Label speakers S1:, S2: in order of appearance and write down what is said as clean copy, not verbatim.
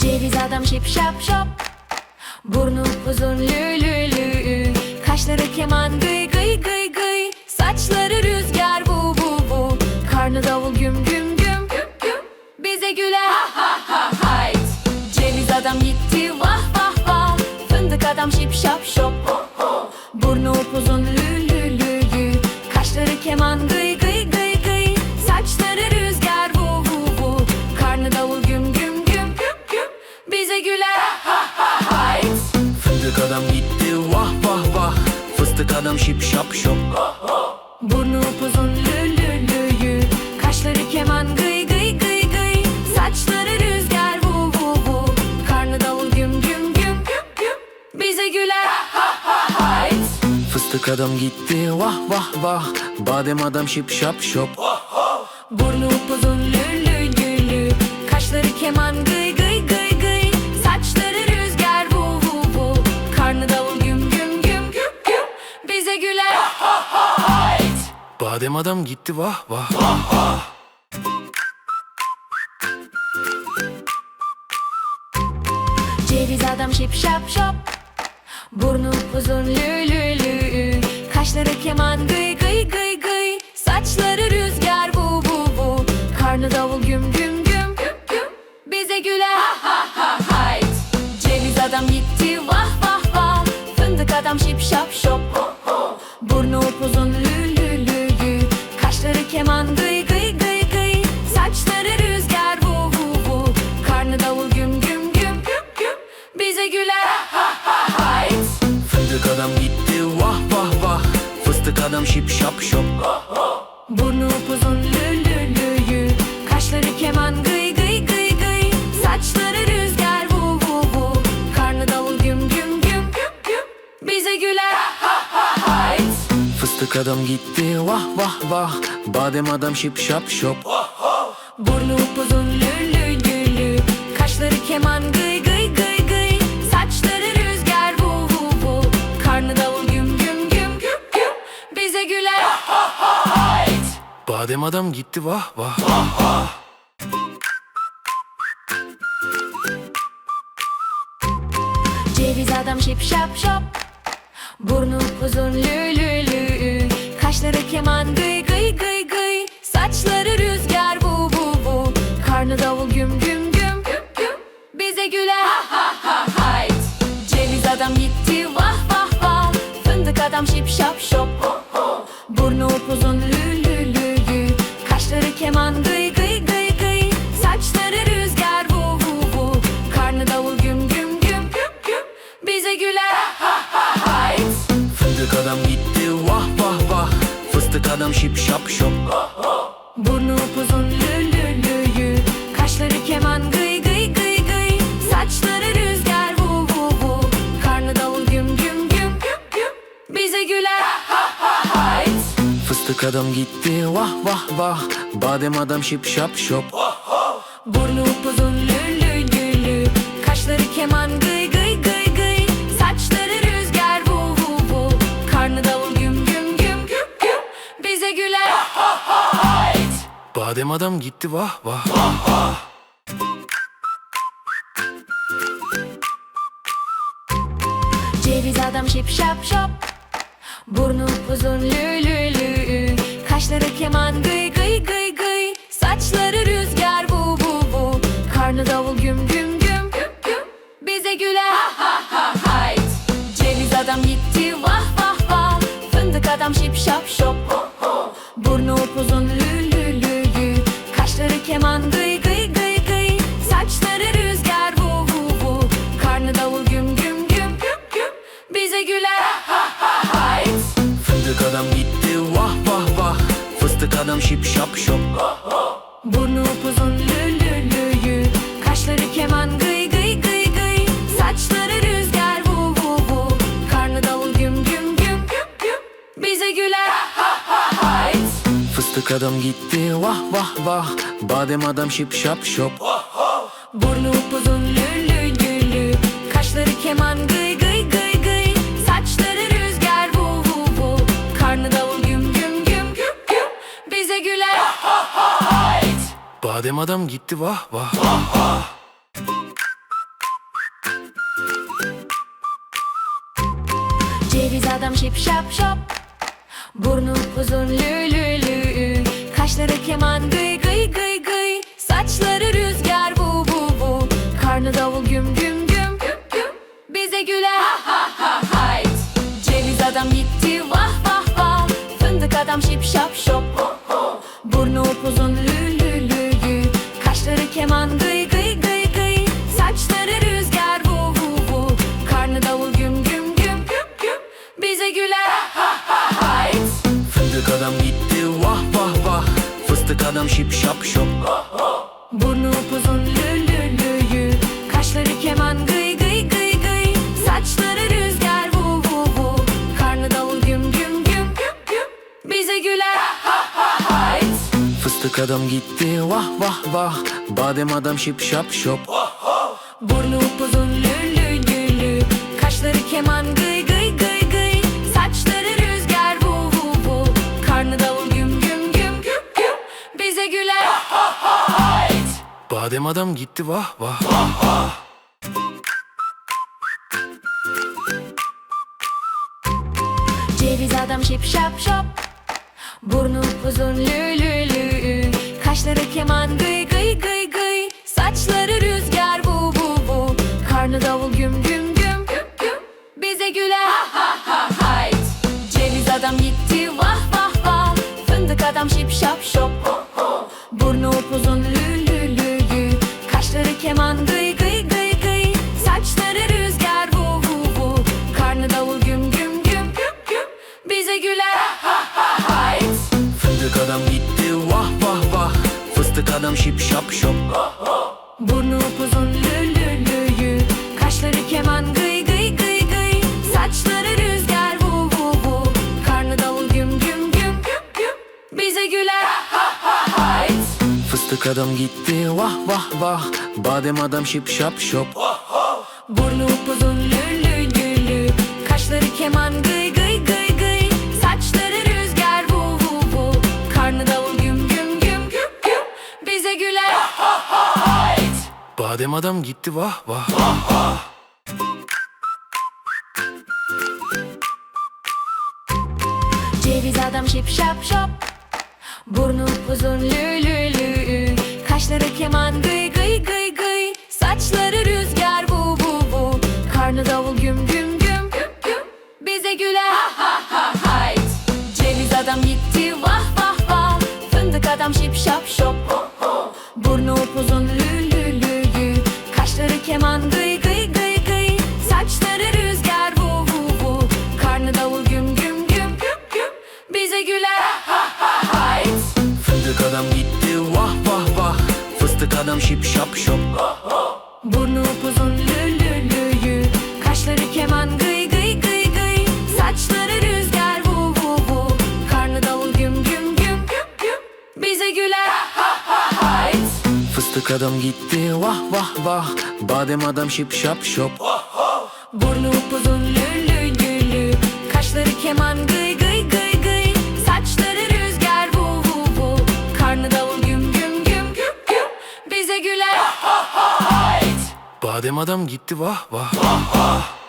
S1: Ceviz adam şip şap şop, burnu uzun lü lü lü, kaşları keman gıy gıy gıy gıy, saçları rüzgar bu bu bu, karnı davul güm güm güm güm güm, bize güler ha ha ha hayt. Ceviz adam gitti vah vah vah, fındık adam şip şap şop, burnu upuzun lü lü lü lü, kaşları keman gıy gıy gıy gıy, saçları rüzgar bu bu bu, karnı davul güm güm güm güm güm, bize güler ha ha hayt.
S2: Fındık adam gitti vah vah vah, fıstık adam şip şap şop,
S1: burnu upuzun lü lü lü lü, kaşları keman gıy gıy gıy gıy, saçları rüzgar bu bu bu, karnı davul güm güm güm güm güm, bize güler ha ha hayt.
S2: fıstık adam gitti vah vah vah, badem adam şip şap şop,
S1: Burnu upuzun lü lü lü lü, kaşları keman gıy gıy gıy gıy, saçları rüzgar bu bu bu, karnı davul güm güm güm güm güm, bize güler ha ha hayt.
S2: badem adam gitti vah vah.
S1: Ceviz adam şip şap şop, burnu uzun lü lü lü, kaşları keman gıy gıy gıy gıy, saçları rüzgar bu bu bu, karnı davul güm güm güm güm güm, bize güler ha ha ha hayt. Ceviz adam gitti vah vah vah, fındık adam şip şap şop, burnu upuzun lü lü lü lü, kaşları keman gıy gıy gıy gıy, saçları rüzgar bu bu bu, karnı davul güm güm güm güm güm, bize güler ha ha hayt.
S2: Fındık adam gitti vah vah vah, fıstık adam şip şap şop,
S1: Burnu upuzun lü lü lü lü, kaşları keman gıy gıy gıy gıy, saçları rüzgar bu bu bu, karnı davul güm güm güm güm güm, bize güler ha ha hayt.
S2: fıstık adam gitti vah vah vah, badem adam şip şap şop,
S1: Burnu upuzun lü lü lü lü, kaşları keman gıy gıy gıy gıy, saçları rüzgar bu bu bu, karnı davul güm güm güm güm güm, bize güler ha ha hayt.
S2: badem adam gitti vah vah.
S1: Ceviz adam şip şap şop, burnu uzun lü lü lü, kaşları keman gıy gıy gıy gıy, saçları rüzgar bu bu bu, karnı davul güm güm güm güm güm, bize güler ha ha ha hayt. Ceviz adam gitti vah vah vah, fındık adam şip şap şop, burnu upuzun lü lü lü lü, kaşları keman gıy gıy gıy gıy, saçları rüzgar bu bu bu, karnı davul güm güm güm güm güm, bize güler ha ha hayt.
S2: Fındık adam gitti vah vah vah, fıstık adam şip şap şop,
S1: Burnu upuzun lü lü lü lü, kaşları keman gıy gıy gıy gıy, saçları rüzgar bu bu bu, karnı davul güm güm güm güm güm, bize güler ha ha hayt.
S2: fıstık adam gitti vah vah vah, badem adam şip şap şop,
S1: Burnu upuzun lü lü lü lü, kaşları keman gıy gıy gıy gıy, saçları rüzgar bu bu bu, karnı davul güm güm güm güm güm, bize güler ha ha hayt.
S2: badem adam gitti vah vah.
S1: Ceviz adam şip şap şop, burnu uzun lü lü lü, kaşları keman gıy gıy gıy gıy, saçları rüzgar bu bu bu, karnı davul güm güm güm güm güm, bize güler ha ha ha hayt. Ceviz adam gitti vah vah vah, fındık adam şip şap şop, burnu upuzun lü lü lü lü, kaşları keman gıy gıy gıy gıy, saçları rüzgar bu bu bu, karnı davul güm güm güm güm güm, bize güler ha ha hayt.
S2: Fındık adam gitti vah vah vah, fıstık adam şip şap şop,
S1: Burnu upuzun lü lü lü lü, kaşları keman gıy gıy gıy gıy, saçları rüzgar bu bu bu, karnı davul güm güm güm güm güm, bize güler ha ha hayt.
S2: fıstık adam gitti vah vah vah, badem adam şip şap şop,
S1: Burnu upuzun lü lü lü lü, kaşları keman gıy gıy gıy gıy, saçları rüzgar bu bu bu, karnı davul güm güm güm güm güm, bize güler ha ha hayt.
S2: badem adam gitti vah vah.
S1: Ceviz adam şip şap şop, burnu uzun lü lü lü, kaşları keman gıy gıy gıy gıy, saçları rüzgar vu vu vu, karnı davul güm güm güm güm güm, bize güler ha ha ha hayt. Ceviz adam gitti vah vah vah, fındık adam şip şap şop, burnu upuzun lü lü lü lü, kaşları keman gıy gıy gıy gıy, saçları rüzgar vu vu vu, karnı davul güm güm güm güm güm, bize güler ha ha ha hayt.
S2: Fındık adam gitti vah vah vah, fıstık adam şip şap şop.
S1: Burnu upuzun lü lü lü lü, kaşları keman gıy gıy gıy gıy, saçları rüzgar vu vu vu, karnı davul güm güm güm güm güm, bize güler ha ha hayt.
S2: Fıstık adam gitti vah vah vah, badem adam şip şap şop.
S1: Burnu upuzun lü lü lü lü, kaşları keman gıy gıy gıy gıy, saçları rüzgar vu vu vu, karnı davul güm güm güm güm güm, bize güler ha ha hayt.
S2: Badem adam gitti vah vah.
S1: Ceviz adam şip şap şop, burnu uzun lü lü lü, kaşları keman gıy gıy gıy gıy, saçları rüzgar vu vu vu, karnı davul güm güm güm güm güm, bize güler ha ha ha hayt. Ceviz adam gitti vah vah vah, fındık adam şip şap şop, burnu upuzun lü lü lü lü, kaşları keman gıy gıy gıy gıy, saçları rüzgar vu vu vu, karnı davul güm güm güm güm güm, bize güler ha ha hayt.
S2: Fındık adam gitti vah vah vah, fıstık adam şip şap şop.
S1: Burnu upuzun lü lü lü lü, kaşları keman gıy gıy gıy gıy, saçları rüzgar vu vu vu, karnı davul güm güm güm güm güm, bize güler ha ha hayt.
S2: Fıstık adam gitti vah vah vah, badem adam şip şap şop.
S1: Burnu upuzun lü lü lü lü, kaşları keman gıy gıy gıy gıy, saçları rüzgar vu vu vu, karnı davul güm güm güm güm güm, bize güler ha ha hayt.
S2: Badem adam gitti vah vah.
S1: Ceviz adam şip şap şop, burnu uzun lü lü lü, kaşları keman gıy gıy gıy gıy, saçları rüzgar vu vu vu, karnı davul güm güm güm güm güm, bize güler ha ha ha hayt. Ceviz adam gitti vah vah vah, fındık adam şip şap şop, burnu upuzun lü lü lü lü, kaşları keman gıy gıy gıy gıy, saçları rüzgar vu vu vu, karnı davul güm güm güm güm güm, bize güler ha ha hayt.
S2: Fındık adam gitti vah vah vah, fıstık adam şip şap şop.
S1: Burnu upuzun lü lü lü lü, kaşları keman gıy gıy gıy gıy, saçları rüzgar vu vu vu, karnı davul güm güm güm güm güm, bize güler ha ha hayt.
S2: Fıstık adam gitti vah vah vah, badem adam şip şap şop.
S1: Burnu upuzun lü lü lü lü, kaşları keman gıy gıy gıy gıy, saçları rüzgar vu vu vu, karnı davul güm güm güm güm güm, bize güler ha ha hayt.
S2: Badem adam gitti vah vah.